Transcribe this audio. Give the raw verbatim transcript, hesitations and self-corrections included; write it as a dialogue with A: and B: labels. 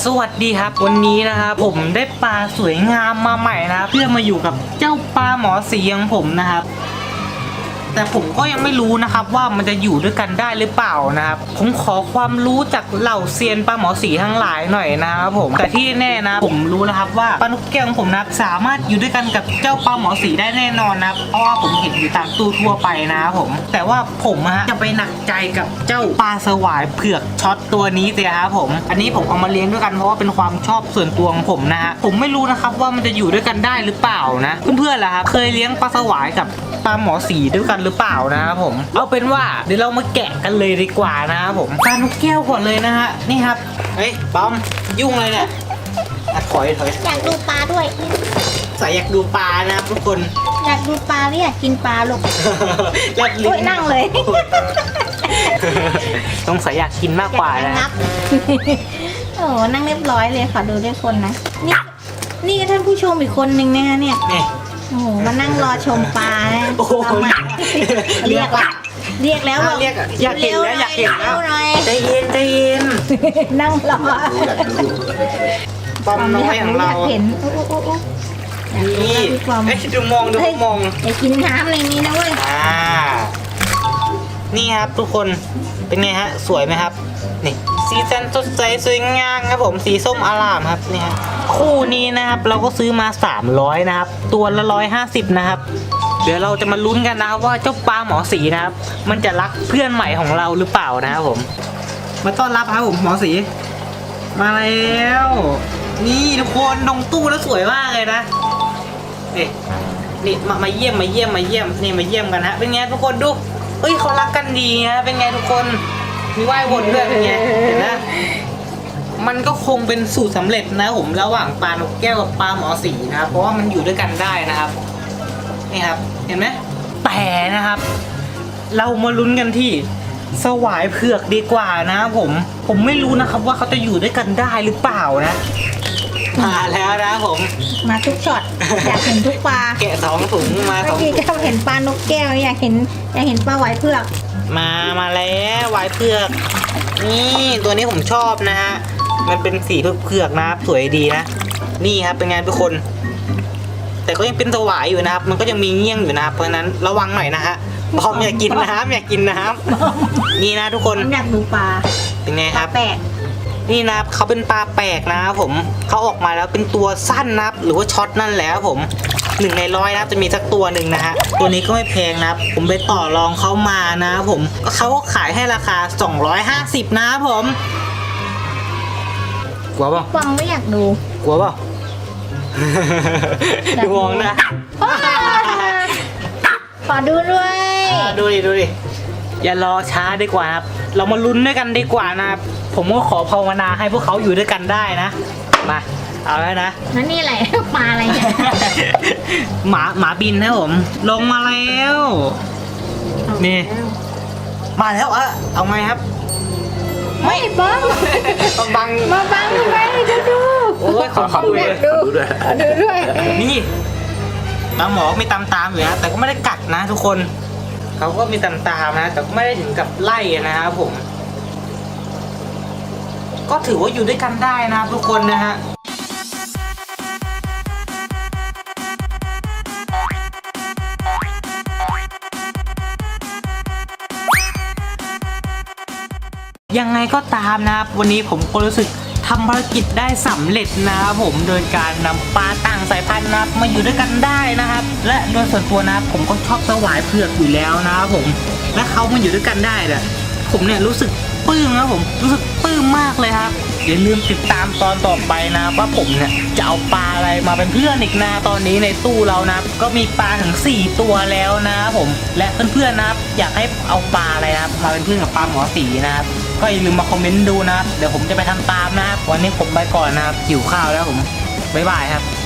A: สวัสดีครับวันนี้นะครับผมได้ปลาสวยงามมาใหม่นะครับเพื่อมาอยู่กับเจ้าปลาหมอสีของผมนะครับแต่ผมก็ยังไม่รู้นะครับว่ามันจะอยู่ด้วยกันได้หรือเปล่านะครับผมขอความรู้จากเหล่าเซียนปลาหมอสีทั้งหลายหน่อยนะครับผมแต่ที่แน่นะผมรู้นะครับว่าปลานกแก้วของผมนะสามารถอยู่ด้วยกันกับเจ้าปลาหมอสีได้แน่นอนนะครับเพราะว่าผมเห็นอยู่ตามตู้ทั่วไปนะครับผมแต่ว่าผมฮะจะไปหนักใจกับเจ้าปลาสวายเผือกช็อตตัวนี้สิครับผมอันนี้ผมเอามาเลี้ยงด้วยกันเพราะว่าเป็นความชอบส่วนตัวของผมนะฮะผมไม่รู้นะครับว่ามันจะอยู่ด้วยกันได้หรือเปล่านะเพื่อนๆล่ะครับเคยเลี้ยงปลาสวายกับปลาหมอสีด้วยกันหรือเปล่านะครับผมเอาเป็นว่าเดี๋ยวเรามาแกะกันเลยดีกว่านะครับผมปลานกแก้วก่อนเลยนะฮะนี่ครับเฮ้ยปอมยุ่งเลยเนี่ยถอยถอย
B: อยากดูปลาด้วย
A: สายอยากดูปลานะครับทุกคน
B: อยากดูปลาหรืออยากกินปลาลูก
A: อยาก
B: โอ้ยนั่งเลย
A: ต้องสายอยากกินมากกว่านะ
B: นับ โอ้นั่งเรียบร้อยเลยขอดูด้วยคนนะนี่นี่ท่านผู้ชมอีกคนนึงนะคะเนี่ย
A: นี่
B: โอ้โหมานั่งรอชมปลานะ
A: โอ้โห
B: เรามาเรียกละเรียกแล้ว
A: เรียกอะอยากเห็นแล้วอยากเห็นแล้ว
B: หน่อย
A: ใจเย็นใจเย็น
B: นั่งรอ
A: ปอมน้อยของเรา
B: อยากเห็นโอ้โอ้โอ้โอ้อยาก
A: นี่
B: ดูปลา
A: ไอ้ดูมองดูมอง
B: อย่ากินน้ำอะไรนี้นะเว้ย
A: อ่านี่ครับทุกคนเป็นไงฮะสวยไหมครับนี่สีสันสดใสสวยงามครับผมสีส้มอร่ามครับนี่ฮะคู่นี้นะครับเราก็ซื้อมาสามร้อยนะครับตัวละหนึ่งร้อยห้าสิบนะครับเดี๋ยวเราจะมาลุ้นกันนะครับว่าเจ้าปลาหมอสีนะครับมันจะรักเพื่อนใหม่ของเราหรือเปล่านะครับผมมาต้อนรับครับผมหมอสีมาแล้วนี่ทุกคนลงตู้แล้วสวยมากเลยนะนี่นี่มามาเยี่ยมมาเยี่ยมมาเยี่ยมนี่มาเยี่ยมกันฮะเป็นไงทุกคนดูเฮ้ยเขารักกันดีฮะเป็นไงทุกคนมีไหว้วนด้วยเป็นไงเห็นนะมันก็คงเป็นสูตรสำเร็จนะผมระหว่างปลานกแก้วกับปลาหมอสีนะครับเพราะว่ามันอยู่ด้วยกันได้นะครับนี่ครับเห็นไหมแต่นะครับ เรามาลุ้นกันที่สวายเผือกดีกว่านะผมผมไม่รู้นะครับว่าเขาจะอยู่ด้วยกันได้หรือเปล่านะมาแล้วนะผม
B: มาทุกช็อตอยากเห็นทุกปลา
A: แกะสองถุงมาส
B: เมื่
A: อ
B: อง กี้
A: ถุง
B: ก็เห็นปลานกแก้วอยากเห็นอยากเห็นปลาไหวเผือก
A: มามาแล้ววายเผือกนี่ตัวนี้ผมชอบนะฮะมันเป็นสีเผือกๆนะครับสวยดีนะนี่ครับเป็นไงทุกคน แต่ก็ยังเป็นสวายอยู่นะครับมันก็ยังมีเงี้ยงอยู่นะครับเพราะฉะนั้นระวังหน่อยนะฮะบอมอย่ากินนะครับอย่ากินนะครับนี่นะทุกคน
B: อยากดูปลา
A: เป็นไง
B: ป
A: ค
B: ลา
A: รับ
B: แปลก
A: นี่นะครับเขาเป็นปลาแปลกนะครับผมเขาออกมาแล้วเป็นตัวสั้นนะครับหรือว่าช็อตนั่นแหละครับผมหนึ่งในร้อยนะครับจะมีสักตัวหนึ่งนะฮะตัวนี้ก็ไม่แพงนะครับผมไปต่อรองเขามานะครับผมเขาก็ขายให้ราคาสองร้อยห้าสิบนะครับผมกลัวเปล่า
B: ฟังไม่อยากดู
A: กลัวเปล่า ดูมองนะ
B: ขอดูด้วย
A: อ่าดูดิดูดิอย่ารอช้าดีกว่าครับเรามาลุ้นด้วยกันดีกว่านะครับผมก็ขอภาวนาให้พวกเขาอยู่ด้วยกันได้นะมาเอาแล้วนะ
B: นั่นนี่อะไร ปลาอะไรเนี่ย
A: หมาหมาบินนะผมลงมาแล้ว นี่ มาแล้วเออเอาไงครับ
B: ไม่บ้าง
A: ต้องบัง
B: มาบังทำไมดูดู
A: โอ้ยขอขอบคุณ
B: อยากดูดูด้วย
A: นี่บางหมอมีตามตามๆอยู่นะแต่ก็ไม่ได้กัดนะทุกคนเขาก็มีตามตามๆนะแต่ก็ไม่ได้ถึงกับไล่นะครับผม ก็ถือว่าอยู่ด้วยกันได้นะครับทุกคนนะฮะยังไงก็ตามนะครับวันนี้ผมก็รู้สึกทำภารกิจได้สำเร็จนะครับผมโดยการนำปลาต่างสายพันธุ์นะครับมาอยู่ด้วยกันได้นะครับ และโดยส่วนตัวนะครับผมก็ชอบสวายเผือกอยู่แล้วนะครับผมและเขามาอยู่ด้วยกันได้เนี่ยผมเนี่ยรู้สึกปลื้มนะผมรู้สึกปลื้มมากเลยครับอย่าลืมติดตามตอนต่อไปนะว่าผมเนี่ยจะเอาปลาอะไรมาเป็นเพื่อนอีกนะตอนนี้ในตู้เรานะก็มีปลาถึงสี่ตัวแล้วนะครับผมและเพื่อนๆนะครับอยากให้เอาปลาอะไรนะครับมาเป็นเพื่อนกับปลาหมอสีนะครับก็อย่าลืมมาคอมเมนต์ดูนะครับเดี๋ยวผมจะไปทำตามนะครับวันนี้ผมไปก่อนนะครับหิวข้าวแล้วผมบ๊ายบายครับ